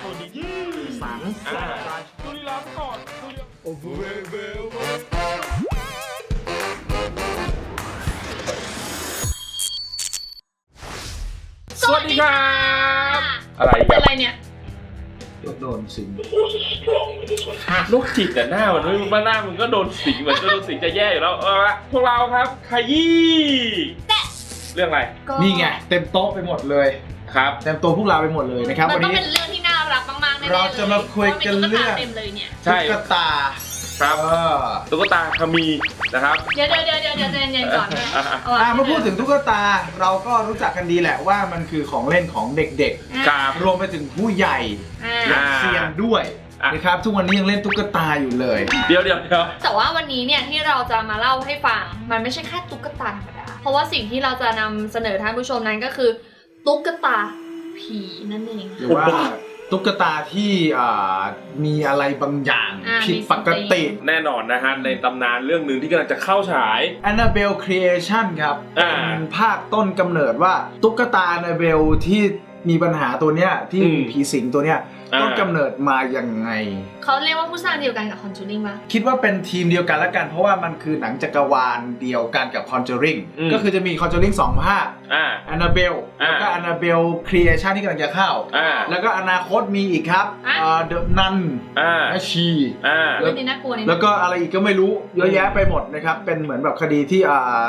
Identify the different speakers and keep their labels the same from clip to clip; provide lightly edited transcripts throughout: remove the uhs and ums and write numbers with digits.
Speaker 1: สัง
Speaker 2: ดูลีลาก่อนโอ้โหสวัสดีครับอะไรกัน
Speaker 3: อะไรเนี่ย
Speaker 1: โดนสิง
Speaker 2: โรคจิตแต่หน้ามันไม่หน้ามันก็โดนสิงเหมือนโดนสิงจะแย่อยู่แล้วละพวกเราครับขยี้เรื่องอะไร
Speaker 1: นี่ไงเต็มโต๊ะไปหมดเลย
Speaker 2: ครับ
Speaker 1: เต็มโต๊ะพวกเราไปหมดเลยนะครับ
Speaker 3: มันต้องเป็นเรื่องที่น่ารักมากๆแน่ๆเลย
Speaker 1: เราจะมาคุยกันเรื่องตุ๊กตา
Speaker 2: ครับตุ๊กตาคามีนะครับ
Speaker 3: เดี๋ยวเย็นๆก่อน
Speaker 1: เมื่อพูดถึงตุ๊กตาเราก็รู้จักกันดีแหละว่ามันคือของเล่นของเด็กๆรวมไปถึงผู้ใหญ่และเซียนด้วยนะครับทุกวันนี้ยังเล่นตุ๊กตาอยู่เลย
Speaker 2: เดี๋ยว
Speaker 3: แต่ว่าวันนี้เนี่ยที่เราจะมาเล่าให้ฟังมันไม่ใช่แค่ตุ๊กตาธรรมดาเพราะว่าสิ่งที่เราจะนำเสนอท่านผู้ชมนั้นก็คือตุ๊กตาผีนั่นเอง
Speaker 1: หรือว่าตุ๊กตาที่มีอะไรบางอย่างผิดปกติ
Speaker 2: แน่นอนนะฮะในตำนานเรื่องหนึ่งที่กำลังจะเข้าฉาย
Speaker 1: Annabelle Creation ครับเป็นภาคต้นกำเนิดว่าตุ๊กตา Annabelle ที่มีปัญหาตัวเนี้ยที่มีผีสิงตัวเนี้ยต้นกำเนิดมายังไง
Speaker 3: เขาเรียกว่าผู้สร้างเดียวกันกับ Conjuring มั้ย
Speaker 1: คิดว่าเป็นทีมเดียวกันแล้วกันเพราะว่ามันคือหนังจักรวาลเดียวกันกับ Conjuring ก็คือจะมี Conjuring 2 ภาค Annabelle แล้วก็ Annabelle Creation ที่กำลังจะเข้าแล้วก็อนาคตมีอีกครับThe Nun แม่ชีแล้วก็อะไรอีกก็ไม่รู้เยอะแยะไปหมดนะครับเป็นเหมือนแบบคดีที่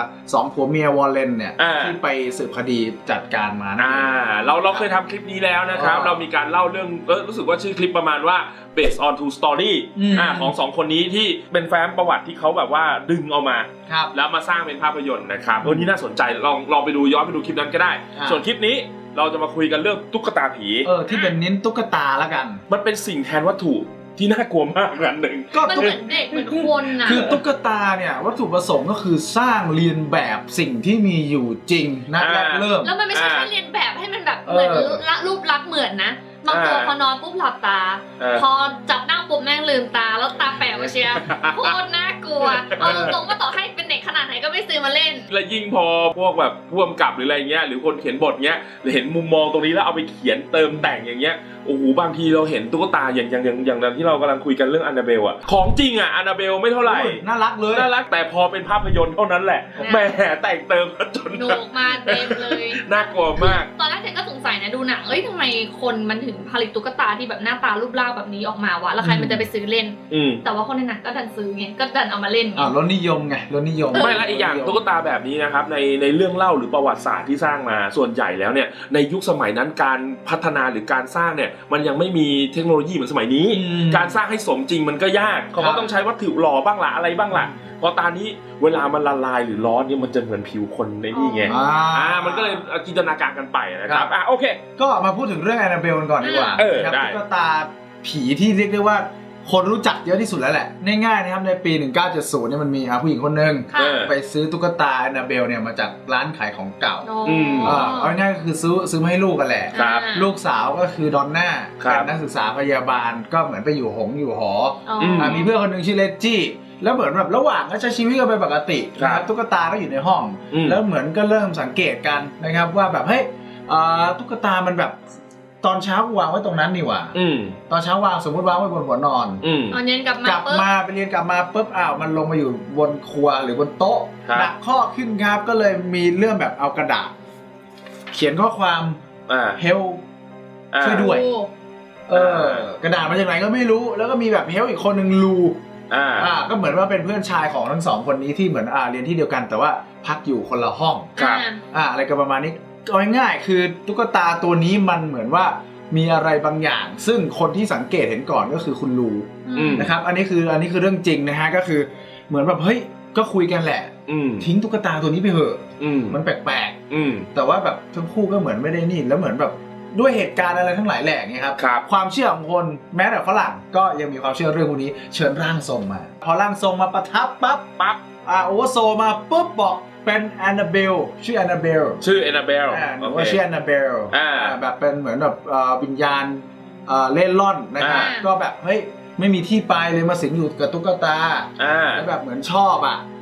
Speaker 1: 2 ผัวเมียวอลเลนเนี่ยที่ไปสืบคดีจัดการมา
Speaker 2: เราเคยทำคลิปนี้แล้วนะครับเรามีการเล่าเรื่องรู้สึกว่าชื่อคลิปประมาณว่า based on true story ของ2 คนนี้ที่เป็นแฟ้มประวัติที่เขาแบบว่าดึงเอามาแล้วมาสร้างเป็นภาพยนตร์นะครับนี่น่าสนใจลองไปดูย้อนไปดูคลิปนั้นก็ได้ส่วนคลิปนี้เราจะมาคุยกันเรื่องตุ๊กตาผี
Speaker 1: ที่เป็นเน้นตุ๊กตาแล้วกัน
Speaker 2: มันเป็นสิ่งแทนวัตถุที่น่ากลัวมากอันหนึ่ง
Speaker 3: มันเหมือนเด็กเหมือนคนนะ
Speaker 1: คือตุ๊กตาเนี่ยวัตถุประสงค์ก็คือสร้างเรียนแบบสิ่งที่มีอยู่จริงนะเริ่ม
Speaker 3: แล้วมันไม่ใช่แค่เรียนแบบให้มันแบบเหมือนรูปลักษณ์เหมือนนะบางตัวพอนอนปุ๊บหลับตาพอจับนั่งปุ๊บแม่งลืมตาแล้วตาแป๋วเชียโคตรน่ากลัวเอาตรงๆว่าต่อให้เป็นเด็กขนาดไหนก็ไม่ซื้อมาเล่น
Speaker 2: และยิ่งพอพวกแบบผู้กำกับหรืออะไรเงี้ยหรือคนเขียนบทเงี้ยเห็นมุมมองตรงนี้แล้วเอาไปเขียนเติมแต่งอย่างเงี้ยโอ้โหบางทีเราเห็นตุ๊กตาอย่างนั้นที่เรากำลังคุยกันเรื่อง Annabelle อ่ะของจริงอ่ะ Annabelle ไม่เท่าไหร่
Speaker 1: น่ารักเลย
Speaker 2: น่ารักแต่พอเป็นภาพยนตร์เท่านั้นแหละแหมแต่งเติมจน
Speaker 3: หนุกมาเต็มเลย
Speaker 2: น่ากลัวมาก
Speaker 3: ตอนแรกเด็กก็สงสัยนะดูหนังทำไมคนมันถึงผลิตตุ๊กตาที่แบบหน้าตารูปร่างแบบนี้ออกมาวะแล้วใครมันจะไปซื้อเล่นแต่ว่าคนในหนังก็ดันซื้อไงก็ดันเอามาเล่น
Speaker 1: รสนิยมไงรสนิยม
Speaker 2: ไม่ละอีกอย่างตุ๊กตาแบบนี้นะครับในเรื่องเล่าหรือประวัติศาสตร์ที่สร้างมาส่วนใหญ่แล้วเนี่ยในยุคสมัยนั้นการพัฒนาหรือการสร้างเนี่ยมันยังไม่มีเทคโนโลยีเหมือนสมัยนี้การสร้างให้สมจริงมันก็ยากเขาก็ต้องใช้วัตถุหล่อบ้างละอะไรบ้างละพอตานี้เวลามันละลายหรือร้อนเนี่ยมันจะเหมือนผิวคนในนี่ไงมันก็เลยจินตนาการกันไปนะครับโอเค
Speaker 1: ก็มาพูดถึงเรื่อง Annabelle กันก่อนดีกว่าตุ๊กตาผีที่เรียกได้ว่าคนรู้จักเยอะที่สุดแล้วแหละง่ายๆนะครับในปี 1970เนี่ยมันมีผู้หญิงคนนึงไปซื้อตุ๊กตา Annabelle เนี่ยมาจากร้านขายของเก่าเอาง่ายๆก็คือซื้อมาให้ลูกกันแหละลูกสาวก็คือดอนน่าเป็นนักศึกษาพยาบาลก็เหมือนไปอยู่หอมีเพื่อนคนนึงชื่อเลจี้แล้วเหมือนแบบระหว่างก็ใช้ชีวิตกันไปปกตินะครับตุ๊กตาก็อยู่ในห้องแล้วเหมือนก็เริ่มสังเกตกันนะครับว่าแบบเฮ้ยตุ๊กตามันแบบตอนเช้าวางไว้ตรงนั้นนี่หว่าตอนเช้าวางสมมติวางไว้บนหัวนอน
Speaker 3: ตอนเย็นกลับ
Speaker 1: มาไปเรียนกลับมาปุ๊บมันลงมาอยู่บนครัวหรือบนโต๊ะหนักข้อขึ้นครับก็เลยมีเรื่องแบบเอากระดาษเขียนข้อความเฮลช่วยด้วยกระดาษมาจากไหนก็ไม่รู้แล้วก็มีแบบเฮลอีกคนหนึ่งลูก็เหมือนว่าเป็นเพื่อนชายของทั้ง2 คนนี้ที่เหมือนเรียนที่เดียวกันแต่ว่าพักอยู่คนละห้องอะไรกันประมาณนี้เอาง่ายๆคือตุ๊กตาตัวนี้มันเหมือนว่ามีอะไรบางอย่างซึ่งคนที่สังเกตเห็นก่อนก็คือคุณลูนะครับอันนี้คือเรื่องจริงนะฮะก็คือเหมือนแบบเฮ้ยก็คุยกันแหละทิ้งตุ๊กตาตัวนี้ไปเถอะมันแปลกๆแต่ว่าแบบทั้งคู่ก็เหมือนไม่ได้นี่แล้วเหมือนแบบด้วยเหตุการณ์อะไรทั้งหลายแหล่ไงครับความเชื่อของคนแม้แต่ฝรั่งก็ยังมีความเชื่อเรื่องพวกนี้เชิญร่างทรงมาพอร่างทรงมาประทับปั๊บโอเวอร์โซมาปุ๊บบอกเป็น Annabelle ชื่อ Annabelle หรือว่าชื่อ Annabelle แบบเป็นเหมือนแบบวิญญาณเล่ร่อนนะครับก็แบบเฮ้ยไม่มีที่ไปเลยมาสิงอยู่กับตุ๊กตาแล้วแบบเหมือนชอบ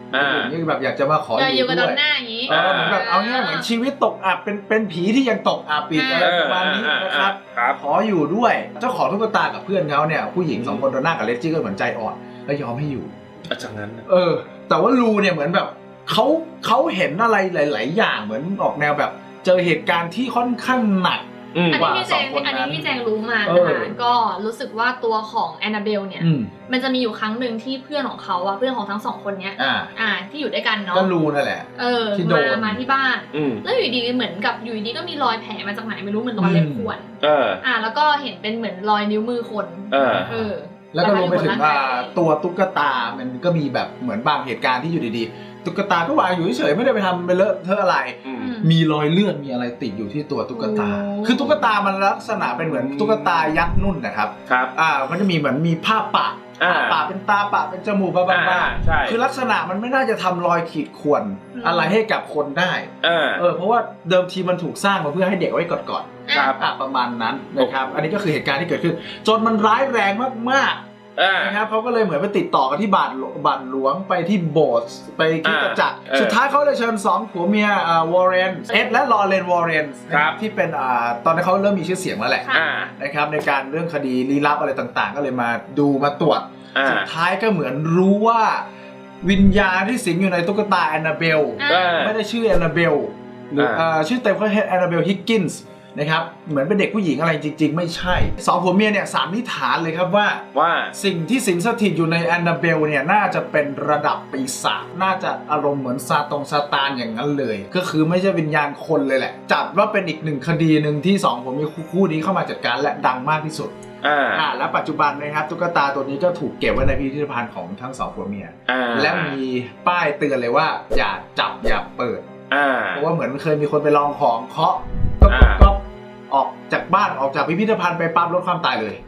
Speaker 1: นี่แบบอยากจะมาขออยู่ด้วย
Speaker 3: หน้าอย่างนี้
Speaker 1: เหมือนแบบเอาเนี้ยเหมือนชีวิตตกอับเป็นผีที่ยังตกอับอีกอะไรประมาณนี้นะครับขออยู่ด้วยเจ้าของตุ๊กตากับเพื่อนเขาเนี่ยผู้หญิง2 คนโดนหน้ากับเลจี้ก็เหมือนใจอ่อนแล้วยอมให้อยู่
Speaker 2: จากนั้น
Speaker 1: แต่ว่าลูเนี่ยเหมือนแบบเขาเห็นอะไรหลายๆอย่างเหมือนออกแนวแบบเจอเหตุการณ์ที่ค่อนข้างหนัก
Speaker 3: อันนี้พี่แจงรู้มานะคะก็รู้สึกว่าตัวของแอนนาเบลเนี่ยมันจะมีอยู่ครั้งหนึ่งที่เพื่อนของเขาเพื่อนของทั้ง2 คนเนี้ยที่อยู่ด้วยกันเนาะ
Speaker 1: ก็รู้นั่นแหละ
Speaker 3: ที่มาที่บ้านแล้วอยู่ดีเหมือนกับอยู่ดีก็มีรอยแผลมาจากไหนไม่รู้เหมือนรอยเล็บข่วนแล้วก็เห็นเป็นเหมือนรอยนิ้วมือคน
Speaker 1: แล้วก็รวมไปถึงตัวตุ๊กตามันก็มีแบบเหมือนบางเหตุการณ์ที่อยู่ดีๆตุ๊กตาก็วางอยู่เฉยๆไม่ได้ไปทำไปเลอะเทอะอะไรมีรอยเลือดมีอะไรติดอยู่ที่ตัวตุ๊กตาคือตุ๊กตามันลักษณะเป็นเหมือนตุ๊กตายักษ์นุ่นนะครับมันจะมีเหมือนมีผ้าปะเป็นตาปะเป็นจมูกบ้าๆคือลักษณะมันไม่น่าจะทำรอยขีดข่วนอะไรให้กับคนได้เพราะว่าเดิมทีมันถูกสร้างมาเพื่อให้เด็กไว้กอดประมาณนั้นนะครับอันนี้ก็คือเหตุการณ์ที่เกิดขึ้นจนมันร้ายแรงมากๆนะครับเขาก็เลยเหมือนไปติดต่อกันที่บาทหลวงไปที่โบสถ์ไปคริสตจักรสุดท้ายเขาเลยเชิญ2 ผัวเมียวอร์เรนเอ็ดและลอเรนวอร์เรนที่เป็นตอนนี้เขาเริ่มมีชื่อเสียงแล้วแหละนะครับในการเรื่องคดีลี้ลับอะไรต่างๆก็เลยมาดูมาตรวจสุดท้ายก็เหมือนรู้ว่าวิญญาณที่สิงอยู่ในตุ๊กตาแอนนาเบลไม่ได้ชื่อแอนนาเบลหรือชื่อเต็มก็แอนนาเบลฮิกกินส์นะครับเหมือนเป็นเด็กผู้หญิงอะไรจริงๆไม่ใช่2 ผัวเมียเนี่ยสันนิษฐานเลยครับว่าสิ่งที่สิงสถิตอยู่ในแอนนาเบลเนี่ยน่าจะเป็นระดับปีศาจน่าจะอารมณ์เหมือนซาตานอย่างนั้นเลยก็คือไม่ใช่วิญญาณคนเลยแหละจัดว่าเป็นอีก1 คดีหนึ่งที่2 ผัวเมียคู่นี้เข้ามาจัดการและดังมากที่สุดและปัจจุบันนะครับตุ๊กตาตัวนี้ก็ถูกเก็บไว้ในพิพิธภัณฑ์ของทั้ง2 ผัวเมียและมีป้ายเตือนเลยว่าอย่าจับอย่าเปิดเพราะว่าเหมือนเคยมีคนไปลองของเคาะก็ออกจากบ้านออกจากพิพิธภัณฑ์ไปปั๊บลดความตายเลย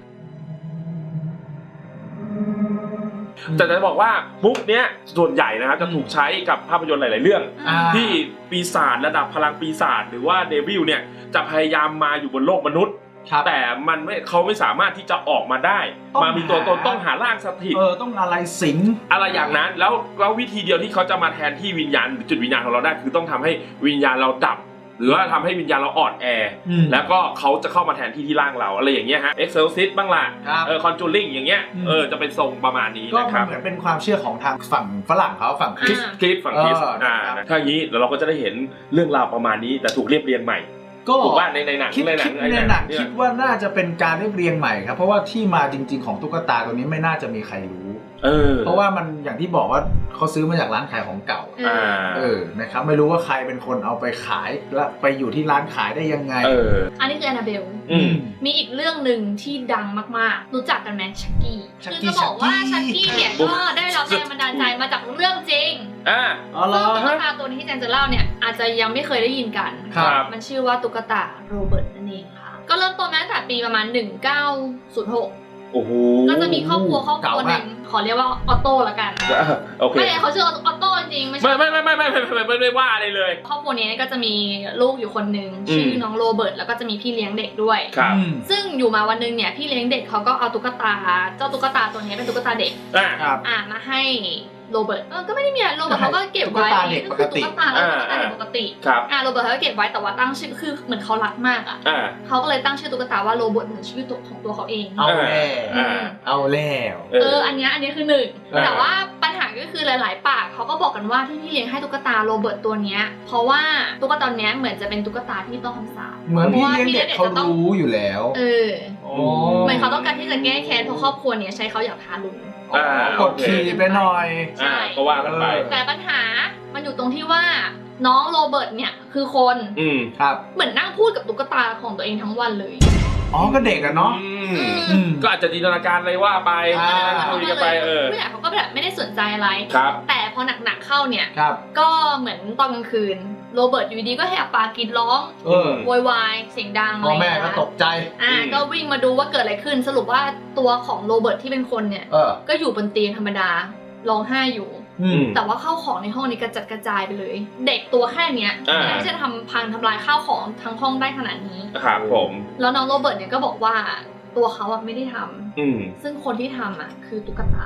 Speaker 2: แต่จะบอกว่ามุกเนี้ยส่วนใหญ่นะครับจะถูกใช้กับภาพยนตร์หลายๆเรื่องที่ปีศาจระดับพลังปีศาจหรือว่าเดวิลเนี่ยจะพยายามมาอยู่บนโลกมนุษย์แต่เขาไม่สามารถที่จะออกมาได้มามีตัวตนต้องหาร่างสถิต
Speaker 1: ต้องอะไรสิง
Speaker 2: อะไรอย่างนั้นแล้ววิธีเดียวที่เขาจะมาแทนที่วิญญาณหรือจุดวิญญาณของเราได้คือต้องทำให้วิญญาณเราดับหรือว่าทำให้วิญญาณเราอ่อนแอแล้วก็เขาจะเข้ามาแทนที่ร่างเราอะไรอย่างเงี้ยฮะ Exorcist บ้างล่ะConjuring อย่างเงี้ยจะเป็นทรงประมาณนี้นะครับ
Speaker 1: ก็เหมือนเป็นความเชื่อของทางฝั่งฝรั่งเขาฝั่งคริสต์
Speaker 2: ฝั่งคริสต์ถ้าอย่างนี้เราก็จะได้เห็นเรื่องราวประมาณนี้แต่ถูกเรียบเรียงใหม่ก็ถูกว่าในหนัง
Speaker 1: คิดว่าน่าจะเป็นการเรียบเรียงใหม่ครับเพราะว่าที่มาจริงๆของตุ๊กตาตัวนี้ไม่น่าจะมีใครรู้เพราะว่ามันอย่างที่บอกว่าเขาซื้อมาจากร้านขายของเก่านะครับไม่รู้ว่าใครเป็นคนเอาไปขายและไปอยู่ที่ร้านขายได้ยังไง
Speaker 3: อันนี้คือแอนนาเบลมีอีกเรื่องหนึ่งที่ดังมากๆรู้จักกันไหมชักกี้คือจะบอกว่าชักกี้เนี่ยก็ได้รับแรงบันดาลใจมาจากเรื่องจริงซึ่งตุ๊กตาตัวนี้ที่แจงจะเล่าเนี่ยอาจจะยังไม่เคยได้ยินกันมันชื่อว่าตุ๊กตาโรเบิร์ตนั่นเองค่ะก็เริ่มต้นมาตั้งแต่ปีประมาณ1906ก็จะมีครอบครัวหนึ่งขอเรียกว่าออโต้ละกันไม่เขาชื่อออโต้จริงไม่ใช่
Speaker 2: ไม่ว่าอะไรเลย
Speaker 3: ครอบครัวนี้ก็จะมีลูกอยู่คนหนึ่งชื่อน้องโรเบิร์ตแล้วก็จะมีพี่เลี้ยงเด็กด้วยซึ่งอยู่มาวันนึงเนี่ยพี่เลี้ยงเด็กเขาก็เอาตุ๊กตาเจ้าตุ๊กตาตัวนี้เป็นตุ๊กตาเด็กมาให้โรเบิร์ตก็ไม่ได้มีอะไรโรเบิร์ตเขาก็เก็บไว้
Speaker 1: ก็คือตุ๊กตา
Speaker 3: เด็กปกติโรเบิร์ตเขาก็เก็บไว้แต่ว่าตั้งชื่อคือเหมือนเขารักมากเขาก็เลยตั้งชื่อตุ๊กตาว่าโรเบิร์ตเหมือนชื่อของตัวเขาเอง
Speaker 1: เอาแล้ว
Speaker 3: อันนี้คือหนึ่งแต่ว่าปัญหาก็คือหลายๆปากเขาก็บอกกันว่าที่พี่เลี้ยงให้ตุ๊กตาโรเบิร์ตตัวนี้เพราะว่าตุ๊กตาตัวนี้เหมือนจะเป็นตุ๊กตาที่ต้องคำสาป
Speaker 1: เหมือนพี่เลี้ยงเด็กเขารู้อยู่แล้ว
Speaker 3: เหมือนเขาต้องการที่จะแก้แค้นเพราะครอบครัวนี้ใช้เขาอยากทารุณ
Speaker 1: กดขี่ไปหน่อย
Speaker 2: ก็ว่ากันไป
Speaker 3: แต่ปัญหามันอยู่ตรงที่ว่าน้องโรเบิร์ตเนี่ยคือคน
Speaker 1: ครับ
Speaker 3: เหมือนนั่งพูดกับตุ๊กตาของตัวเองทั้งวันเลย
Speaker 1: ก็เด็กอะเนาะ
Speaker 2: ก็อาจจะจินตนาการอะไรว่าไปคุยกันไป
Speaker 3: ผู้ใหญ่เขาก็แบบไม่ได้สนใจอะไรแต่พอหนักๆเข้าเนี่ยก็เหมือนตอนกลางคืนโรเบิร์ตอยู่ดีก็แหกปากกรีดร้องโวยวายเสียงดังอะไร
Speaker 1: แม่ก็ตกใจ
Speaker 3: ก็วิ่งมาดูว่าเกิดอะไรขึ้นสรุปว่าตัวของโรเบิร์ตที่เป็นคนเนี่ยก็อยู่บนเตียงธรรมดาร้องไห้อยู่แต่ว่าข้าวของในห้องนี้กระจัดกระจายไปเลยเด็กตัวแค่เนี้ยไม่จะทำลายข้าวของทั้งห้องได้ขนาดนี้
Speaker 2: ครับผม
Speaker 3: แล้วน้องโรเบิร์ตเนี่ยก็บอกว่าตัวเขาไม่ได้ทำซึ่งคนที่ทำคือตุ๊กตา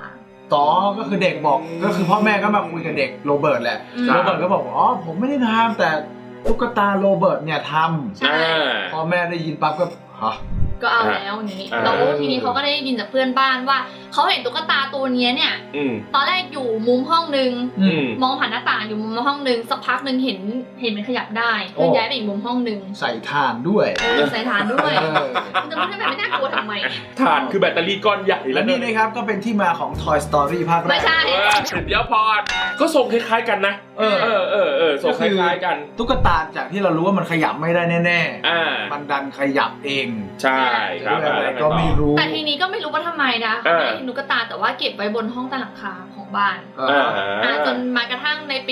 Speaker 1: ต่อก็คือเด็กบอกก็คือพ่อแม่ก็มาคุยกับเด็กโรเบิร์ตแหละโรเบิร์ตก็บอกอ๋อผมไม่ได้ทำแต่ตุ๊กตาโรเบิร์ตเนี่ยทำพ่อแม่ได้ยินปั๊บก็
Speaker 3: ก็เอาแล้วนี้แล้วทีนี้เขาก็ได้ยินจากเพื่อนบ้านว่าเขาเห็นตุ๊กตาตัวนี้เนี่ยตอนแรกอยู่มุมห้องนึงมองผ่านหน้าต่างอยู่มุมห้องนึงสักพักนึงเห็นมันขยับได้เพื่อย้ายไปอีกมุมห้องนึง
Speaker 1: ใส่ถ่านด้วย
Speaker 3: ใส่ถ่านด้วยจะไม่ได้แบบไม่น่ากลัวทำไม
Speaker 2: ถ่านคือแบตเตอรี่ก้อนใหญ่
Speaker 1: แล้วนี่นะครับก็เป็นที่มาของ Toy Story ภาคแรก
Speaker 3: ไม่ใช่
Speaker 2: เดี๋ยวพอก็ทรงคล้ายๆกันนะทรงคล้ายๆกัน
Speaker 1: ตุ๊กตาจากที่เรารู้ว่ามันขยับไม่ได้แน่ๆมันดันขยับเอง
Speaker 2: ใช่ครับ
Speaker 1: อะไรก็ไม่รู้
Speaker 3: แต่ทีนี้ก็ไม่รู้ว่าทำไมนะไม่เห็นตุ๊กตาแต่ว่าเก็บไว้บนห้องใต้หลังคาของบ้านจนมากระทั่งในปี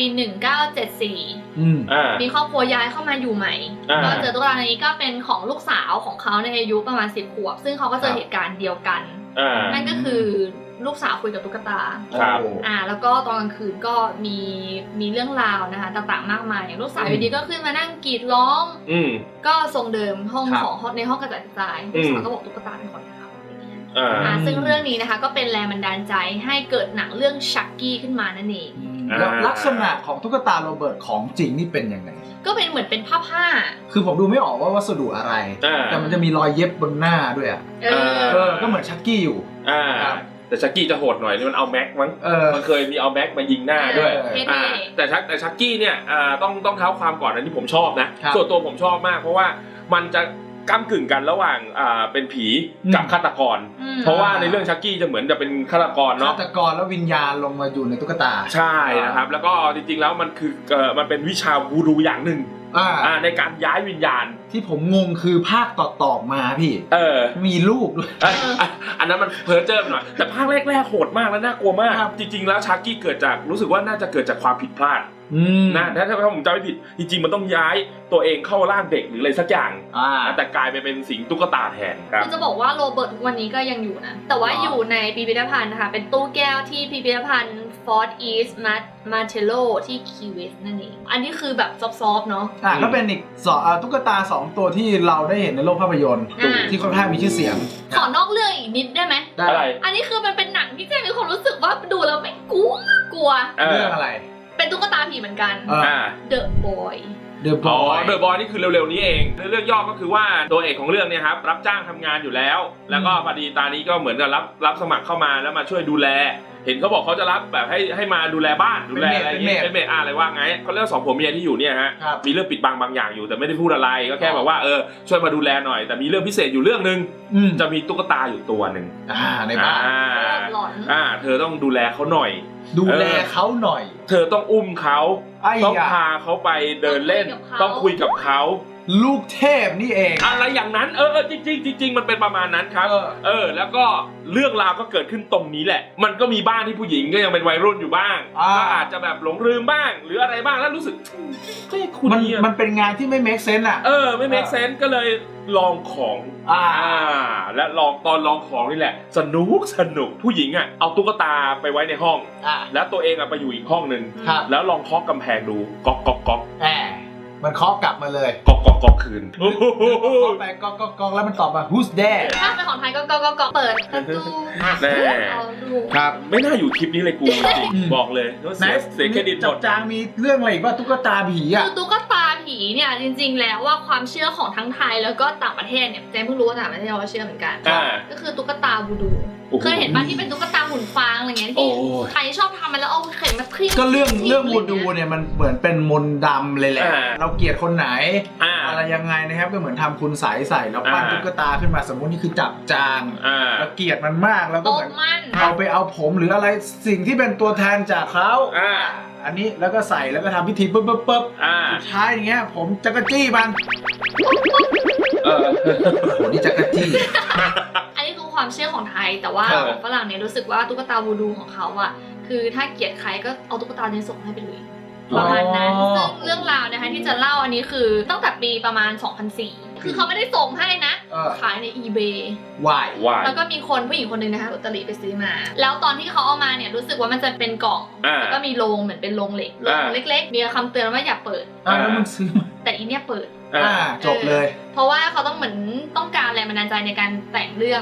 Speaker 3: 1974มีครอบครัวย้ายเข้ามาอยู่ใหม่ก็เจอตุ๊กตานี้ก็เป็นของลูกสาวของเขาในอายุประมาณ10 ขวบซึ่งเขาก็เจอเหตุการณ์เดียวกันนั่นก็คือลูกสาวคุยกับตุ๊กตาแล้วก็ตอนกลางคืนก็มีเรื่องราวนะคะต่างๆมากมายอย่างลูกสาวอยู่ดีก็ขึ้นมานั่งกรีดร้องก็ทรงเดิมห้องของในห้องกระจัดกระจายลูกสาวก็บอกตุ๊กตาเป็นคนทำซึ่งเรื่องนี้นะคะก็เป็นแรงบันดาลใจให้เกิดหนังเรื่องชักกี้ขึ้นมานั่นเอง
Speaker 1: ลักษณะของตุ๊กตาโรเบิร์ตของจริงนี่เป็นยังไง
Speaker 3: ก็เป็นเหมือนเป็นผ้า
Speaker 1: คือผมดูไม่ออกว่าวัสดุอะไรแต่มันจะมีรอยเย็บบนหน้าด้วยก็เหมือนชักกี้อยู่
Speaker 2: แต่ชักกี้จะโหดหน่อยนี่มันเอาแม็กมั้งมันเคยมีเอาแม็กมายิงหน้าด้วยแต่ชักกี้เนี่ยต้องเท้าความก่อนอันที่ผมชอบนะส่วนตัวผมชอบมากเพราะว่ามันจะก้ำกึ่งกันระหว่างเป็นผีกับฆาตกรเพราะว่าในเรื่องชักกี้จะเหมือนจะเป็นฆาตกรเนาะ
Speaker 1: ฆาตกรแล้ววิญญาณลงมาอยู่ในตุ๊กตา
Speaker 2: ใช่นะครับแล้วก็จริงๆแล้วมันคือมันเป็นวิชาวูดูอย่างหนึ่งในการย้ายวิญญาณ
Speaker 1: ที่ผมงงคือภาคต่อมาพี่มีลูกด้วย
Speaker 2: อันนั้นมันเพ้อเจ้อหน่อยแต่ภาคแรกๆโหดมากและน่ากลัวมากจริงๆแล้วชักกี้เกิดจากรู้สึกว่าน่าจะเกิดจากความผิดพลาดนะถ้าผมจำไม่ผิดจริงๆมันต้องย้ายตัวเองเข้าร่างเด็กหรืออะไรสักอย่างแต่กลายไปเป็นสิงตุ๊กตาแทนครับ
Speaker 3: จะบอกว่าโรเบิร์ตทุกวันนี้ก็ยังอยู่นะแต่ว่าอยู่ในพิพิธภัณฑ์นะคะเป็นตู้แก้วที่พิพิธภัณฑ์ Fort East Martello ที่คีเวสนั่นเองอันนี้คือแบบซอฟๆเนาะ
Speaker 1: ก็เป็นอีกตุ๊กตา2ตัวที่เราได้เห็นในโลกภาพยนตร์ที่ค่อนข้างมีชื่อเสียง
Speaker 3: ขอนอกเรื่องอีกนิดได้ไหม
Speaker 2: ได้
Speaker 3: อันนี้คือมันเป็นหนังที่เจ๊มีความรู้สึกว่าดูแล้วไม่กลัว
Speaker 1: เรื่องอะไร
Speaker 3: เป็นตุ๊กตาผีเหมือนกัน The Boy
Speaker 1: The
Speaker 2: Boy นี่คือเร็วๆนี้เองเรื่องย่อก็คือว่าตัวเอกของเรื่องเนี่ยครับรับจ้างทำงานอยู่แล้วแล้วก็พอดีตานี้ก็เหมือนกับรับสมัครเข้ามาแล้วมาช่วยดูแลเห็นเขาบอกเขาจะรับแบบให้มาดูแลบ้านดูแลอะไรอย่างเงี้ยเป็นเมดอะไรว่าไงเขาเรียก2 ผัวเมียที่อยู่เนี่ยฮะมีเรื่องปิดบังบางอย่างอยู่แต่ไม่ได้พูดอะไรก็แค่บอกว่าช่วยมาดูแลหน่อยแต่มีเรื่องพิเศษอยู่เรื่องนึงจะมีตุ๊กตาอยู่ตัวนึง
Speaker 1: ในบ้าน
Speaker 2: เธอต้องดูแลเขาหน่อย
Speaker 1: ดูแลเขาหน่อย
Speaker 2: เธอต้องอุ้มเขาต้องพาเขาไปเดินเล่นต้องคุยกับเขา
Speaker 1: ลูกเทพนี่เอง
Speaker 2: อะไรอย่างนั้นจริงมันเป็นประมาณนั้นครับแล้วก็เรื่องราวก็เกิดขึ้นตรงนี้แหละมันก็มีบ้านที่ผู้หญิงก็ยังเป็นวัยรุ่นอยู่บ้างก็อาจจะแบบหลงลืมบ้างหรืออะไรบ้างแล้วรู้สึก
Speaker 1: มันเป็นงานที่ไม่ make sense อ่ะ
Speaker 2: ไม่ make sense ก็เลยลองของและตอนลองของนี่แหละสนุกผู้หญิงอ่ะเอาตุ๊กตาไปไว้ในห้องแล้วตัวเองอ่ะไปอยู่อีกห้องนึงแล้วลองเคาะกำแพงดูก๊อก
Speaker 1: มันเคาะกลับมาเลย
Speaker 2: ก๊อกคืน
Speaker 1: เคาะไปก๊อกแล้วมันตอบมา who's there
Speaker 3: ถ้าเป็นของไทยก็เปิดประตู
Speaker 2: แน่ครับไม่น่าอยู่คลิปนี้เลยกูจริงบอกเลยเสียเครดิตหมด
Speaker 1: จางมีเรื่องอะไรอีกว่าตุ๊กตาผีอ่ะ
Speaker 3: คือตุ๊กตาผีเนี่ยจริงๆแล้วว่าความเชื่อของทั้งไทยแล้วก็ต่างประเทศเนี่ยแจงเพิ่งรู้ว่าต่างประเทศเราเชื่อเหมือนกันก็คือตุ๊กตาวูดูเคยเห็นป่ะที่เป็นตุ๊กตาหุ่นฟางอะไรเงี้ยที่ใครชอบทำมันแล้วเอาเข็มมาคลี่
Speaker 1: ก็เรื่องวูดูเนี่ยมันเหมือนเป็นมนต์ดำเลยแหละเราเกลียดคนไหนอะไรยังไงนะครับก็เหมือนทำคุณใส่แล้วปั้นตุ๊กตาขึ้นมาสมมตินี่คือจับจางแล้วเกลียดมันมากแล้วก็เหมือนเอาไปเอาผมหรืออะไรสิ่งที่เป็นตัวแทนจากเขาอันนี้แล้วก็ใส่แล้วก็ทำพิธีปุ๊บสุดท้ายอย่างเงี้ยผมจักรจี้มันโหนี่จักรจี้
Speaker 3: อันนี้คือความเชื่อของไทยแต่ว่าของฝรั่งเนี่ยรู้สึกว่าตุ๊กตาวูดูของเขาอ่ะคือถ้าเกลียดใครก็เอาตุ๊กตาเนี่ยส่งให้ไปเลยประมาณนั้นซึ่งเรื่องราวนะคะที่จะเล่าอันนี้คือตั้งแต่ปีประมาณ 2004 คือเขาไม่ได้ส่งให้นะขายใน eBay แล้วก็มีคนผู้หญิงคนนึงนะคะอุตริไปซื้อมาแล้วตอนที่เขาเอามาเนี่ยรู้สึกว่ามันจะเป็นกล่องแล้วก็มีโรงเหมือนเป็นโรงเหล็กเล็กๆมีคำเตือนว่าอย่าเปิด
Speaker 1: แล้วมันซื้อมา
Speaker 3: แต่อีเนี่ยเปิด
Speaker 1: จบเลย
Speaker 3: เพราะว่าเขาต้องเหมือนต้องการแรงบันดาลใจในการแต่งเรื่อง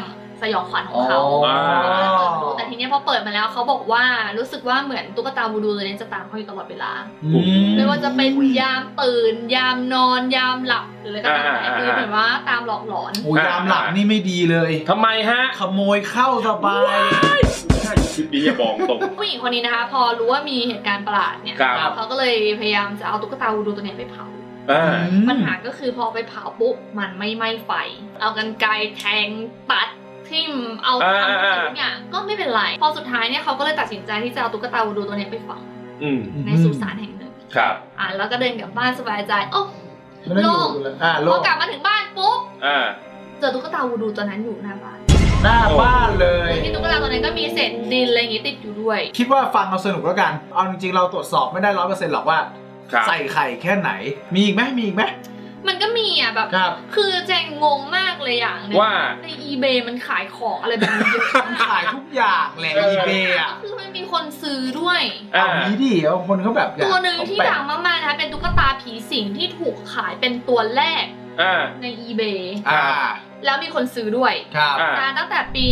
Speaker 3: สยองขวัญของเขาแต่ทีนี้พอเปิดมาแล้วเขาบอกว่ารู้สึกว่าเหมือนตุ๊กตาวูดูตัวนี้จะตามเขาอยู่ตลอดเวลาไม่ว่าจะเป็นยามตื่นยามนอนยามหลับหรืออะไรก็ตามแต่คือเหมือนว่าตามหลอกหลอน
Speaker 1: ยามหลับนี่ไม่ดีเลย
Speaker 2: ทำไมฮะ
Speaker 1: ขโมยเข้าสบาย
Speaker 2: ใช่คลิปนี้อย่าบอกตรง
Speaker 3: ผู้หญิงคนนี้นะคะพอรู้ว่ามีเหตุการณ์ประหลาดเนี่ยเขาก็เลยพยายามจะเอาตุ๊กตาวูดูตัวนี้ไปเผาปัญหาก็คือพอไปเผาปุ๊บมันไม่ไหม้ไฟเอากรรไกรแทงตัดทิ่มเอาทำทุกอย่างก็ไม่เป็นไรพอสุดท้ายเนี่ยเขาก็เลยตัดสินใจที่จะเอาตุ๊กตาวูดูตัวนี้ไปฝังในสุสานแห่งหนึ่ง
Speaker 2: ครับ
Speaker 3: แล้วก็เดินกลับบ้านสบายใจโอ้โล่งพอกลับมาถึงบ้านปุ๊บเจอตุ๊กตาวูดูตัวนั้นอยู่หน้าบ้าน
Speaker 1: เลย
Speaker 3: ที่ตุ๊กตาตัวนั้นก็มีเศษดินอะไรอย่างงี้ติดอยู่ด้วย
Speaker 1: คิดว่าฟังเราสนุกแล้วกันเอาจริงๆเราตรวจสอบไม่ได้ 100% หรอกว่าใส่ไข่แค่ไหนมีอีกไหม
Speaker 3: มันก็มีอ่ะแบบคือแจงงงมากเลยอย่างนึง
Speaker 2: ว่า
Speaker 3: ใน eBay มันขายของอะไรแบบนี้เยอะ
Speaker 1: มันขายทุกอย่างแหละ eBay อ่ะ
Speaker 3: คือมันมีคนซื้อด้วย
Speaker 1: เอานี้ดิเอาคนเขาแบบ
Speaker 3: ตัวหนึ่งที่ดังมากๆนะคะเป็นตุ๊กตาผีสิงที่ถูกขายเป็นตัวแรกใน eBay แล้วมีคนซื้อด้วยตั้งแต่ปี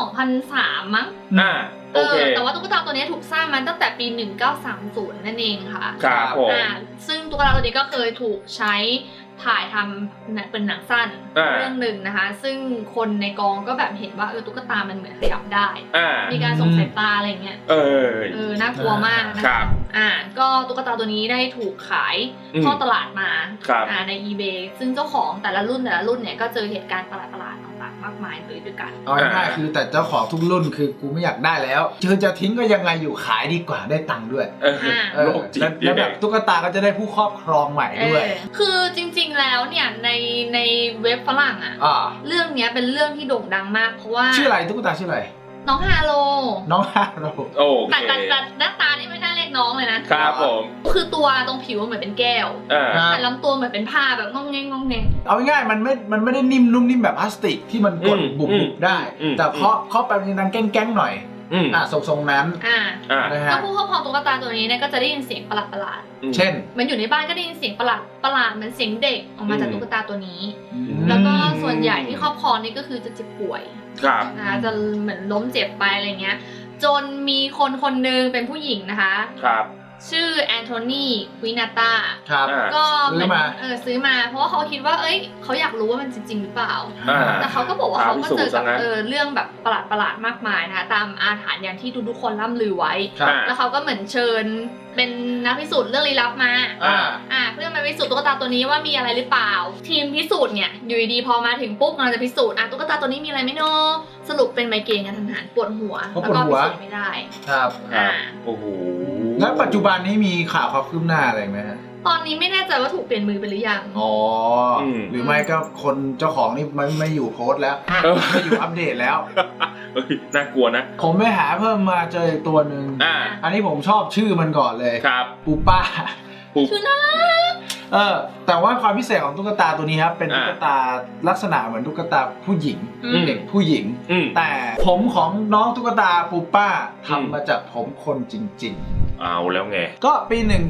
Speaker 3: 2003 มั้งแต่ว่าตุ๊กตาตัวนี้ถูกสร้างมาตั้งแต่ปี 1930 นั่นเองค่ะ
Speaker 2: ครับผม
Speaker 3: ซึ่งตุ๊กตาตัวนี้ก็เคยถูกใช้ถ่ายทำเป็นหนังสั้นเรื่องหนึ่งนะคะซึ่งคนในกองก็แบบเห็นว่าตุ๊กตามันเหมือนขยับได้มีการส่งสายตาอะไรเงี้ยน่ากลัวมากนะคะก็ตุ๊กตาตัวนี้ได้ถูกขายเข้าตลาดมาใน eBay ซึ่งเจ้าของแต่ละรุ่นเนี่ยก็เจอเหตุการณ์ประหลาดต่างๆมากมายเลยด้วยกัน
Speaker 1: เอาง่ายๆคือแต่เจ้าของทุกรุ่นคือกูไม่อยากได้แล้วจะทิ้งก็ยังไงอยู่ขายดีกว่าได้ตังค์ด้วยแล้วแบบตุ๊กตาก็จะได้ผู้ครอบครองใหม่ด้วย
Speaker 3: คือจริงๆแล้วเนี่ยในเว็บฝรั่งเรื่องนี้เป็นเรื่องที่โด่งดังมากเพราะว่า
Speaker 1: ชื่ออะไรตุ๊กตาชื่ออะไร
Speaker 3: น้องฮาโล
Speaker 2: แต่
Speaker 3: หน้าตานี่ไม่น่าเรียกน้องเลย
Speaker 2: นะครับผม
Speaker 3: คือตัวตรงผิวเหมือนเป็นแก้วแต่ลำตัวเหมือนเป็นผ้าแบบงองแง
Speaker 1: เอาง่ายๆมันไม่ได้นิ่มนุ่มนิ่มแบบพลาสติกที่มันกดบุบได้แต่เคาะไปมันดังแก้งๆหน่อยทรงนั้น
Speaker 3: แล้วผู้ครอบครองตุ๊กตาตัวนี้เนี่ยก็จะได้ยินเสียงประหลาด
Speaker 1: เช่น
Speaker 3: มันอยู่ในบ้านก็ได้ยินเสียงประหลาดเหมือนเสียงเด็กออกมาจากตุ๊กตาตัวนี้แล้วก็ส่วนใหญ่ที่ครอบครองนี่ก็คือจะเจ็บป่วยจะเหมือนล้มเจ็บไปอะไรเงี้ยจนมีคนหนึ่งเป็นผู้หญิงนะคะชื่อแอนโทนีควินาตาก็เหมือนซื้อมาเพราะว่าเขาคิดว่าเขาอยากรู้ว่ามันจริงหรือเปล่าแต่เขาก็บอกว่าเขาก็เจอกับเรื่องแบบประหลาดมากมายนะคะตามอาถรรพ์อย่างที่ทุกคนล่ำลือไว้แล้วเขาก็เหมือนเชิญเป็นนักพิสูจน์เรื่องลี้ลับมาเพื่อมาพิสูจน์ตุ๊กตาตัวนี้ว่ามีอะไรหรือเปล่าทีมพิสูจน์เนี่ยอยู่ดีพอมาถึงปุ๊บเราจะพิสูจน์ตุ๊กตาตัวนี้มีอะไรไม่เนาะสรุปเป็นไมเกรนกันทันหันปวดหัวแล้วก็พิสูจน์ไม่ได้
Speaker 1: ครับ
Speaker 2: โอ้โห
Speaker 1: แล้วปัจจุบันนี้มีข่าวคืบหน้าอะไรไหมฮะ
Speaker 3: ตอนนี้ไม่แน่ใจว่าถูกเปลี่ยนมือไปหรือยัง
Speaker 1: หรือไม่ก็คนเจ้าของนี่ไม่อยู่โพสต์แล้วไม่อยู่อัปเดตแล้ว
Speaker 2: น่ากลัวนะ
Speaker 1: ผมไปหาเพิ่มมาเจอตัวหนึ่งอันนี้ผมชอบชื่อมันก่อนเลย
Speaker 2: ครับ
Speaker 1: ปูป้า
Speaker 3: ชื่อน่ารัก
Speaker 1: แต่ว่าความพิเศษของตุ๊กตาตัวนี้ครับเป็นตุ๊กตาลักษณะเหมือนตุ๊กตาผู้หญิงเด็กผู้หญิงแต่ผมของน้องตุ๊กตาปูป้าทำมาจากผมคนจริงๆ
Speaker 2: เอาแล้วไง
Speaker 1: ก็ปี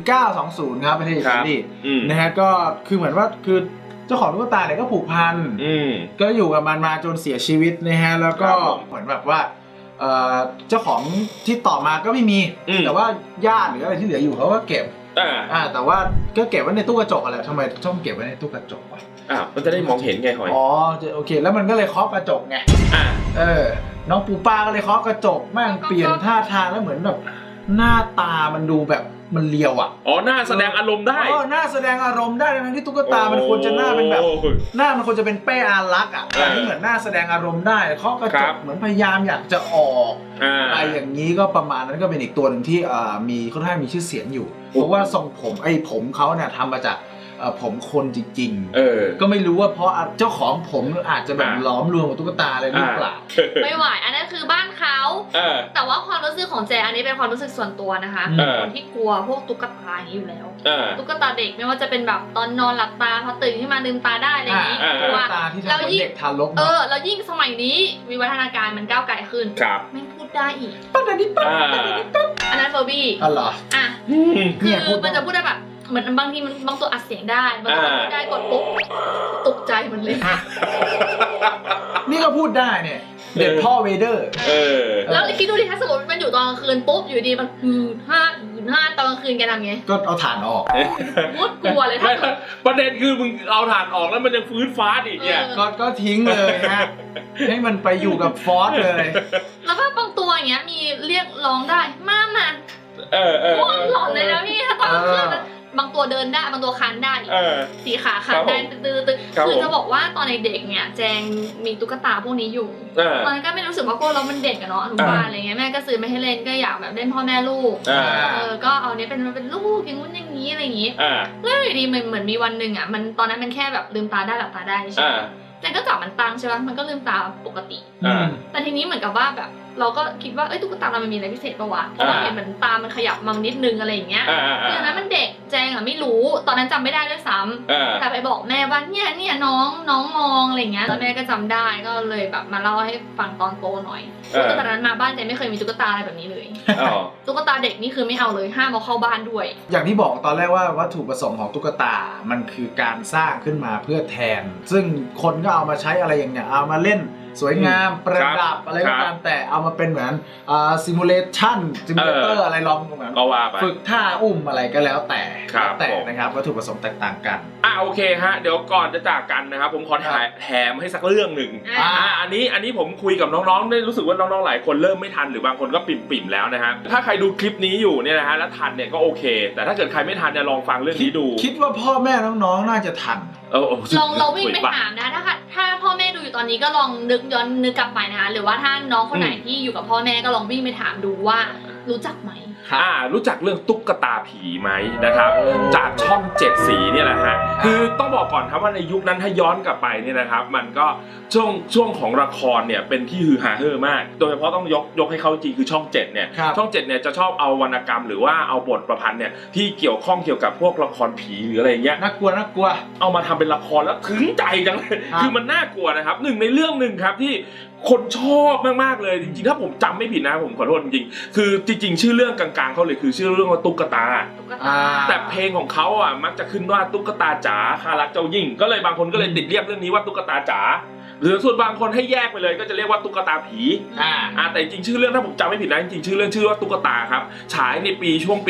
Speaker 1: 1920 ครับประเทศอิตาลีนะฮะก็คือเหมือนว่าคือเจ้าของตุ๊กตาเนี่ยก็ผูกพันก็อยู่กับมันมาจนเสียชีวิตนะฮะแล้วก็เหมือนแบบว่าเจ้าของที่ต่อมาก็ไม่มีแต่ว่าญาติหรืออะไรที่เหลืออยู่เขาก็เก็บแต่ว่าก็เก็บไว้ในตู้กระจกอะไรทำไมต้องเก็บไว้ในตู้กระจกวะ
Speaker 2: มันจะได้มองเห็นไงหอย
Speaker 1: โอเคแล้วมันก็เลยเคาะกระจกไงน้องปูป้าก็เลยเคาะกระจกแม่งเปลี่ยนท่าทางแล้วเหมือนแบบหน้าตามันดูแบบมันเลียว
Speaker 2: หน้าแสดงอารมณ์ได้
Speaker 1: หน้าแสดงอารมณ์ได้ทั้งที่ตุ๊กตามันควรจะหน้าเป็นแบบหน้ามันควรจะเป็นเป้อารักแต่นี่เหมือนหน้าแสดงอารมณ์ได้เคาะกระจกเหมือนพยายามอยากจะออกอะไรอย่างนี้ก็ประมาณนั้นก็เป็นอีกตัวหนึ่งที่มีค่อนข้างมีชื่อเสียงอยู่เพราะว่าทรงผมเขาเนี่ยทำมาจากผมคนจริงๆก็ไม่รู้ว่าเพราะเจ้าของผมอาจจะแบบล้อมรวมกับตุ๊กตาอะไรหรือเปล่า
Speaker 3: ไม่ไหวอันนั้นคือบ้านเขาแต่ว่าความรู้สึกของแจอันนี้เป็นความรู้สึกส่วนตัวนะคะคนที่กลัวพวกตุ๊กตาอย่างนี้อยู่แล้วตุ๊กตาเด็กไม่ว่าจะเป็นแบบตอนนอนหลับตาพอตื่นขึ้นมาลืมตาได้อะไรอย่างนี้
Speaker 1: ตุ๊กตาที่ทำเป็นเด็กทารก
Speaker 3: แล้วยิ่งสมัยนี้วิวัฒนาการมันก้าวไกลขึ้นไม่พูดได้อีกอันนั้นเฟอร์บี้
Speaker 1: อ๋อเหรอ
Speaker 3: คือมันจะพูดได้แบบเหมือนบางทีมันบางตัวอัดเสียงได้บางตัวพูดได้กดปุ๊บตกใจมันเลย
Speaker 1: นี่ก็พูดได้เนี่ยเด็ดพ่อเวเดอร์
Speaker 3: แล้วคิดดูดิถ้าสมมติมันอยู่ตอนกลางคืนปุ๊บอยู่ดีมันห้าตอนกลางคืนแกทำไง
Speaker 1: ก็เอาถ่านออก
Speaker 3: มุดกลัวเลยถ้า
Speaker 2: ประเด็นคือมึงเอาถ่านออกแล้วมันยังฟื้นฟ้าอีกเนี่ย
Speaker 1: ก็ทิ้งเลยฮะให้มันไปอยู่กับฟอสเลย
Speaker 3: แล้วก็บางตัวอย่างเงี้ยมีเรียกร้องได้มาหลอนเลยนะพี่ถ้าตอนกลางคืนบางตัวเดินได้บางตัวคานได้สีขาขาได้ตื้อคือจะบอกว่าตอนเด็กๆเนี่ยแจงมีตุ๊กตาพวกนี้อยู่ตอนนั้นก็ไม่รู้สึกว่าพวกเรามันเด็กอะเนาะอนุบาลอะไรเงี้ยแม่ก็ซื้อไม่ให้เล่นก็อยากแบบเล่นพ่อแม่ลูกก็เอาเนี้ยเป็นลูกอย่างงู้นอย่างนี้อะไรอย่างงี้แล้วอยู่ดีเหมือนมีวันหนึ่งอะมันตอนนั้นมันแค่แบบลืมตาได้หลับตาได้ใช่ไหมแจงก็จับมันตั้งใช่ป่ะมันก็ลืมตาปกติแต่ทีนี้เหมือนกับว่าแบบเราก็คิดว่าตุ๊กตาเรามันมีอะไรพิเศษปะวะเพราะเราเห็นเหมือนตามันขยับมานิดนึงอะไรอย่างเงี้ยคือนั้นมันเด็กแจงไม่รู้ตอนนั้นจำไม่ได้ด้วยซ้ำแต่ไปบอกแม่ว่าเนี่ยน้องมองอะไรเงี้ยแล้วแม่ก็จำได้ก็เลยแบบมาเล่าให้ฟังตอนโตหน่อยตอนนั้นมาบ้านแจงไม่เคยมีตุ๊กตาอะไรแบบนี้เลยตุ๊กตาเด็กนี่คือไม่เอาเลยห้ามเอาเข้าบ้านด้วย
Speaker 1: อย่างที่บอกตอนแรกว่าวัตถุประสงค์ของตุ๊กตามันคือการสร้างขึ้นมาเพื่อแทนซึ่งคนก็เอามาใช้อะไรอย่างเงี้ยเอามาเล่นสวยงามประดับอะไรก็ตามแต่เอามาเป็นเหมือนซิมูเลเตอร์อะไรลองเหมือนฝึกท่าอุ้มอะไรก็แล้วแต่นะครับวัตถุประสงค์แตกต่างกัน
Speaker 2: โอเคฮะเดี๋ยวก่อนจะจากกันนะครับผมขอแถมให้สักเรื่องหนึ่งอันนี้ผมคุยกับน้องๆได้รู้สึกว่าน้องๆหลายคนเริ่มไม่ทันหรือบางคนก็ปิ่มๆแล้วนะฮะถ้าใครดูคลิปนี้อยู่เนี่ยนะฮะแล้วทันเนี่ยก็โอเคแต่ถ้าเกิดใครไม่ทันเนี่ยลองฟังเรื่องนี้ดู
Speaker 1: คิดว่าพ่อแม่น้องๆน่าจะทัน
Speaker 3: เราวิ่งไปถามนะถ้าพ่อแม่ดูอยู่ตอนนี้ก็ลองย้อนนึกกลับไปนะคะหรือว่าถ้าน้องคนไหนที่อยู่กับพ่อแม่ก็ลองวิ่งไปถามดูว่ารู้จักไหม
Speaker 2: รู้จักเรื่องตุ๊กตาผีไหมนะครับจากช่อง7สีเนี่ยแหละฮะคือต้องบอกก่อนครับว่าในยุคนั้นถ้าย้อนกลับไปเนี่ยนะครับมันก็ช่วงของละครเนี่ยเป็นที่ฮือฮาเฮ่อมากโดยเฉพาะต้องยกให้เขาจริงคือช่อง7เนี่ยช่อง7เนี่ยจะชอบเอาวรรณกรรมหรือว่าเอาบทประพันธ์เนี่ยที่เกี่ยวข้องเกี่ยวกับพวกละครผีหรืออะไรเงี้ย
Speaker 1: น่ากลัว
Speaker 2: เอามาทำเป็นละครแล้วถึงใจจังเลยคือมันน่ากลัวนะครับหนึ่งในเรื่องหนึ่งครับที่คนชอบมากๆเลยจริงๆถ้าผมจำไม่ผิดนะผมขอโทษจริงๆคือจริงๆชื่อเรื่องกลางๆเขาเลยคือชื่อเรื่องว่าตุ๊กตาแต่เพลงของเขาอ่ะมักจะขึ้นว่าตุ๊กตาจ๋าข้ารักเจ้ายิ่งก็เลยบางคนก็เลยติดเรียกเรื่องนี้ว่าตุ๊กตาจ๋าหรือส่วนบางคนให้แยกไปเลยก็จะเรียกว่าตุ๊กตาผีแต่จริงชื่อเรื่องถ้าผมจำไม่ผิดนะจริงชื่อเรื่องชื่อว่าตุ๊กตาครับฉายในช่วงปี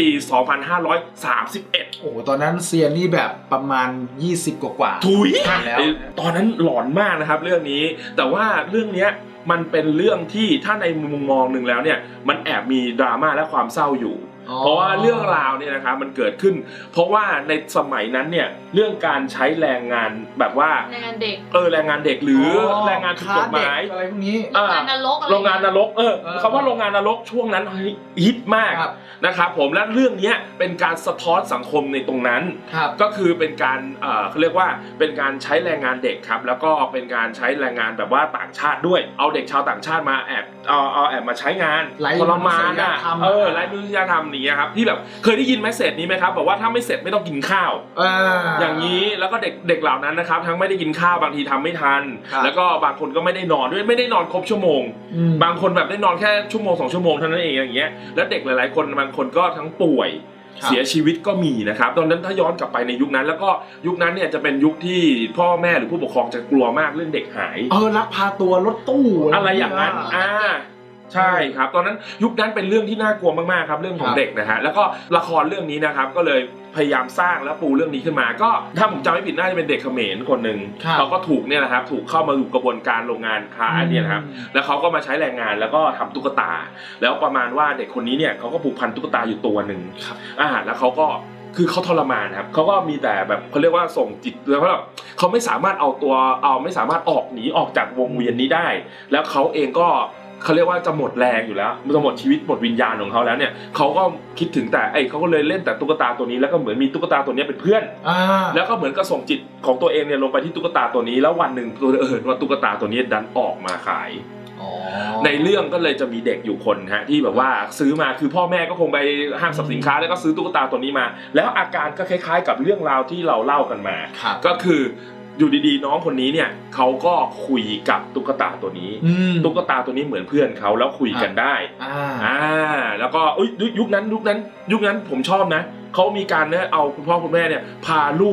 Speaker 2: 2531
Speaker 1: โอ้ตอนนั้นเซียนนี่แบบประมาณ20กว่า
Speaker 2: ถุยแล้วตอนนั้นหลอนมากนะครับเรื่องนี้แต่ว่าเรื่องเนี้ยมันเป็นเรื่องที่ถ้าในมุมมองหนึ่งแล้วเนี่ยมันแอบมีดราม่าและความเศร้าอยู่เพราะว่าเรื่องราวเนี่ยนะครับมันเกิดขึ้นเพราะว่าในสมัยนั้นเนี่ยเรื่องการใช้แรงงานแบบว่า
Speaker 3: แรงงานเด็ก
Speaker 2: แรงงานเด็กหรือแรงงานผิดกฎหมาย
Speaker 1: อะไรพวกนี้
Speaker 3: โรงงานนรก
Speaker 2: คำว่าโรงงานนรกช่วงนั้นฮิตมากนะครับผมและเรื่องนี้เป็นการสะท้อนสังคมในตรงนั้นก็คือเป็นการเขาเรียกว่าเป็นการใช้แรงงานเด็กครับแล้วก็เป็นการใช้แรงงานแบบว่าต่างชาติด้วยเอาเด็กชาวต่างชาติมาแอบมาใช้งานทรมานไร้มนุษยธรรมนี้ครับที่แบบเคยได้ยินเมสเสจนี้ไหมครับบอกว่าถ้าไม่เสร็จไม่ต้องกินข้าวอย่างนี้แล้วก็เด็กเหล่านั้นนะครับทั้งไม่ได้กินข้าวบางทีทำไม่ทันแล้วก็บางคนก็ไม่ได้นอนด้วยไม่ได้นอนครบชั่วโมงบางคนแบบได้นอนแค่ชั่วโมง2 ชั่วโมงเท่านั้นเองอย่างเงี้ยแล้วเด็กหลายๆคนบางคนก็ทั้งป่วยเสียชีวิตก็มีนะครับตอนนั้นถ้าย้อนกลับไปในยุคนั้นแล้วก็ยุคนั้นเนี่ยจะเป็นยุคที่พ่อแม่หรือผู้ปกครองจะกลัวมากเรื่องเด็กหาย
Speaker 1: ลักพาตัวรถตู้
Speaker 2: อะไรอย่างนั้นใช่ครับตอนนั้นยุคนั้นเป็นเรื่องที่น่ากลัวมากๆครับเรื่องของเด็กนะฮะแล้วก็ละครเรื่องนี้นะครับก็เลยพยายามสร้างและปูเรื่องนี้ขึ้นมาก็ถ้าผมจำไม่ผิดน่าจะเป็นเด็กเขมรคนหนึ่งเขาก็ถูกเนี่ยนะครับถูกเข้ามาอยู่กระบวนการโรงงานค้าเนี่ยนะครับแล้วเขาก็มาใช้แรงงานแล้วก็ทำตุ๊กตาแล้วประมาณว่าเด็กคนนี้เนี่ยเขาก็ผูกพันตุ๊กตาอยู่ตัวหนึ่งแล้วเขาก็คือเขาทรมานครับเขาก็มีแต่แบบเขาเรียกว่าส่งจิตแล้วก็เขาไม่สามารถไม่สามารถหนีออกจากวงเวียนนี้ได้แล้วเขาเองก็เขาเรียกว่าจะหมดแรงอยู่แล้วจะหมดชีวิตหมดวิญญาณของเขาแล้วเนี่ยเขาก็คิดถึงแต่เขาก็เลยเล่นแต่ตุ๊กตาตัวนี้แล้วก็เหมือนมีตุ๊กตาตัวนี้เป็นเพื่อนแล้วก็เหมือนก็ส่งจิตของตัวเองเนี่ยลงไปที่ตุ๊กตาตัวนี้แล้ววันหนึ่งว่าตุ๊กตาตัวนี้ดันออกมาขายในเรื่องก็เลยจะมีเด็กอยู่คนฮะที่แบบว่าซื้อมาคือพ่อแม่ก็คงไปห้างสรรพสินค้าแล้วก็ซื้อตุ๊กตาตัวนี้มาแล้วอาการก็คล้ายๆกับเรื่องราวที่เราเล่ากันมาก็คืออยู่ดีๆน้องคนนี้เนี่ยเขาก็คุยกับตุ๊กตาตัวนี้ตุ๊กตาตัวนี้เหมือนเพื่อนเขาแล้วคุยกันได้แล้วก็ยุคนั้นผมชอบนะเขามีการเนี่ยเอาคุณพ่อคุณแม่เนี่ยพาลูก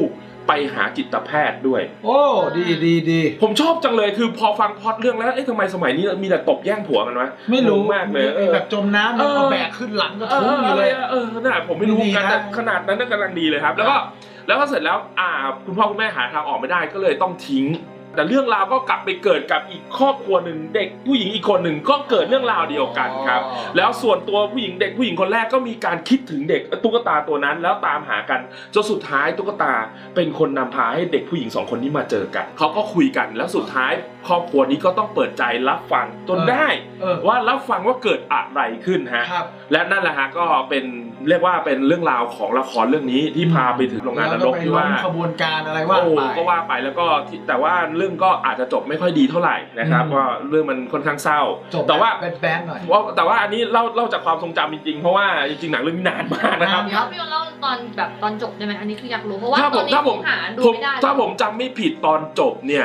Speaker 2: ไปหาจิตแพทย์ด้วย
Speaker 1: โอ้ดี
Speaker 2: ผมชอบจังเลยคือพอฟังพล็อตเรื่องแล้วทำไมสมัยนี้มีแต่ตบแย่งผัวกันวะ
Speaker 1: ไม่รู้
Speaker 2: มากเลย
Speaker 1: แบบจมน้ำแล้วแบกขึ้นหลังก็ทุ้งอยู่เลย
Speaker 2: น่ะผมไม่รู้กันแต่ขนาดนั้นกำลังดีเลยครับแล้วก็เสร็จแล้วคุณพ่อคุณแม่หาทางออกไม่ได้ก็เลยต้องทิ้งแต่เรื่องราวก็กลับไปเกิดกับอีกครอบครัวหนึ่งเด็กผู้หญิงอีกคนหนึ่งก็เกิดเรื่องราวเดียวกันครับแล้วส่วนตัวผู้หญิงคนแรกก็มีการคิดถึงเด็กตุ๊กตาตัวนั้นแล้วตามหากันจนสุดท้ายตุ๊กตาเป็นคนนำพาให้เด็กผู้หญิง2คนนี้มาเจอกันเขาก็คุยกันแล้วสุดท้ายครอบครัวนี้ก็ต้องเปิดใจรับฟังจนได้ว่ารับฟังว่าเกิดอะไรขึ้นฮะและนั่นแหละฮะก็เป็นเรียกว่าเป็นเรื่องราวของละครเรื่องนี้ที่พาไปถึงโรงงานนรกที่ว่า
Speaker 1: ขบวนการอะไรว่าไป
Speaker 2: ก็ว่าไปแล้วก็แต่ว่าเรื่องก็อาจจะจบไม่ค่อยดีเท่าไหร่นะครับว่าเรื่องมันค่อนข้างเศร้าแต่ว่า
Speaker 1: แบนๆหน่อย
Speaker 2: แต่ว่าอันนี้เล่าจากความทรงจำจริงๆเพราะว่าจริงๆหนังเรื่องนี้นานมากนะครับ
Speaker 3: พี่เล่าตอนจบได้ไหมอันนี้คืออยากรู้เพราะว่าตอนนี้ผมหาดูไม่ได้
Speaker 2: ถ้าผมจำไม่ผิดตอนจบเนี่ย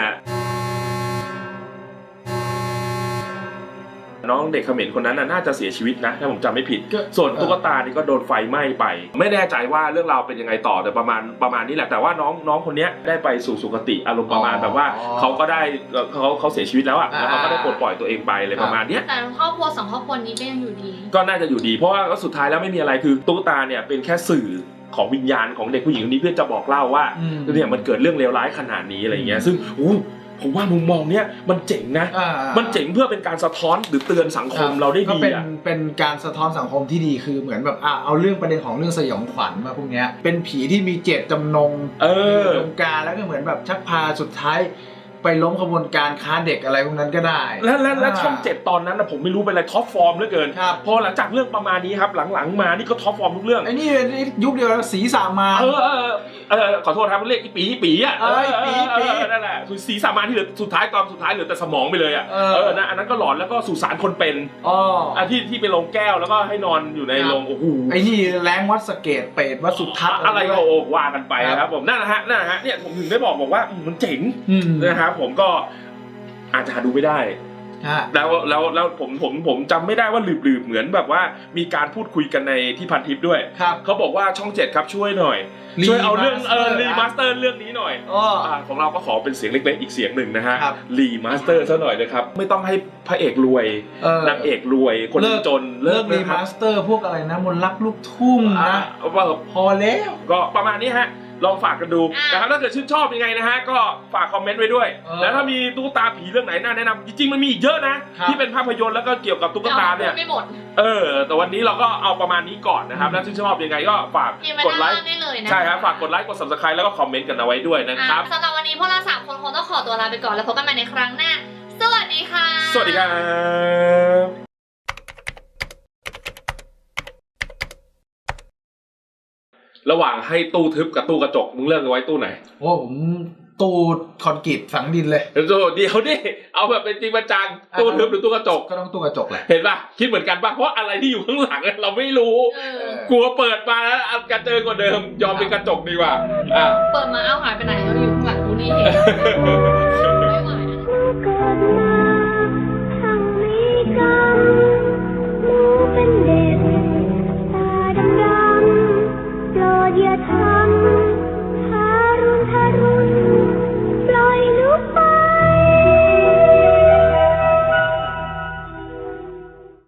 Speaker 2: น้องเด็กเขมรคนนั้นน่าจะเสียชีวิตนะถ้าผมจำไม่ผิดส่วนตุ๊กตานี่ก็โดนไฟไหม้ไปไม่แน่ใจว่าเรื่องราวเป็นยังไงต่อแต่ประมาณนี้แหละแต่ว่าน้องคนนี้ได้ไปสู่สุคติอารมณ์ประมาณแบบว่าเขาก็ได้เขาเสียชีวิตแล้วอ่ะแล้วเขาก็ได้ปลดปล่อยตัวเองไปเลยประมาณนี้
Speaker 3: แต่ครอบครัว2ครอบครัวนี้ก็ยังอยู่ดี
Speaker 2: ก็น่าจะอยู่ดีเพราะว่าสุดท้ายแล้วไม่มีอะไรคือตุ๊กตาเนี่ยเป็นแค่สื่อของวิญญาณของเด็กผู้หญิงคนนี้เพื่อจะบอกเล่าว่าเนี่ยมันเกิดเรื่องเลวร้ายขนาดนี้อะไรอย่างเงี้ยซึ่งผมว่ามุมมองเนี้ยมันเจ๋งนะมันเจ๋งเพื่อเป็นการสะท้อนหรือเตือนสังคมเราได้ดี
Speaker 1: อ่ะเป็นการสะท้อนสังคมที่ดีคือเหมือนแบบเอาเรื่องประเด็นของเรื่องสยองขวัญมาพวกเนี้ยเป็นผีที่มีเจตจำนงวงการแล้วก็เหมือนแบบชักพาสุดท้ายไปล้มขบวนการค้าเด็กอะไรพวกนั้นก็ได้
Speaker 2: และช่อง7ตอนนั้นนะผมไม่รู้เป็นอะไรท็อปฟอร์มเหลือเกินพอหลังจากเรื่องประมาณนี้ครับหลังๆมานี่ก็ท็อปฟอร์มทุกเรื่อง
Speaker 1: ไอ้นี่ยุคเดียวสีสามาน
Speaker 2: ขอโทษครับเรียกปีอ่ะปีนั่นแหละคือสีสามานที่เหลือสุดท้ายตอนสุดท้ายเหลือแต่สมองไปเลยอ่ะนะอันนั้นก็หลอนแล้วก็สุสานคนเป็นที่ไปลงแก้วแล้วก็ให้นอนอยู่ในโรงโอ้โห
Speaker 1: ไอ้นี่แรงวัดสเกตเปรตวัดสุทัศน์
Speaker 2: อะไรก็ว่ากันไปครับผมนั่นนะฮะเนี่ยผมถึงได้บอกว่ามันเจ๋งนะครับผมก็อาจจะหาดูไม่ได้แล้วผมจำไม่ได้ว่าหลืบเหมือนแบบว่ามีการพูดคุยกันในที่พันทิปด้วยเขาบอกว่าช่อง7ครับช่วยหน่อยช่วยเอาเรื่องรีมาสเตอร์เรื่องนี้หน่อยของเราก็ขอเป็นเสียงเล็กๆอีกเสียงหนึ่งนะฮะรีมาสเตอร์ซะหน่อยนะครับไม่ต้องให้พระเอกรวยนางเอกรวยคนจน
Speaker 1: เลิกรีมาสเตอร์พวกอะไรนะมนต์รักลูกทุ่งนะพอแล้ว
Speaker 2: ก็ประมาณนี้ฮะลองฝากกันดูนะครับถ้าเกิดชื่นชอบยังไงนะฮะก็ฝากคอมเมนต์ไว้ด้วยแล้วถ้ามีตุ๊กตาผีเรื่องไหนน่าแนะนำจริงๆมันมีอีกเยอะนะที่เป็นภาพยนตร์แล้วก็เกี่ยวกับตุ๊กตาเนี่ย
Speaker 3: ไม่หมด
Speaker 2: แต่วันนี้เราก็เอาประมาณนี้ก่อนนะครับแล้วชื่นชอบยังไงก็ฝากกดไลค์ใช่ครับฝากกดไลค์กด Subscribe แล้วก็คอมเมนต์กันเอาไว้ด้วยนะครับ
Speaker 3: สำหรับวันนี้พวกเรา3 คนคงต้องขอตัวลาไปก่อนแล้วพบกันใหม่ในครั้งหน้าสวัสดีค่ะ
Speaker 2: สวัสดีครับระหว่างให้ตู้ทึบกับตู้กระจกมึงเลือกเอาไว้ตู้ไหน
Speaker 1: โอ้ผมตู้คอนกรีตฝังดินเลย
Speaker 2: เดี๋ยวดิเอาแบบเป็นจริงประจังตู้ทึบหรือตู้กระจก
Speaker 1: ก็ต้องตู้กระจกแหละ
Speaker 2: เห็นป่ะคิดเหมือนกันป่ะเพราะอะไรที่อยู่ข้างหลังเราไม่รู้กลัวเปิดมาแล้วกระเจิงกว่าเดิมยอมเป็นกระจกดีกว่า
Speaker 3: เปิดมาหายไปไหนอยู่ข้างหลังกูนี่เอง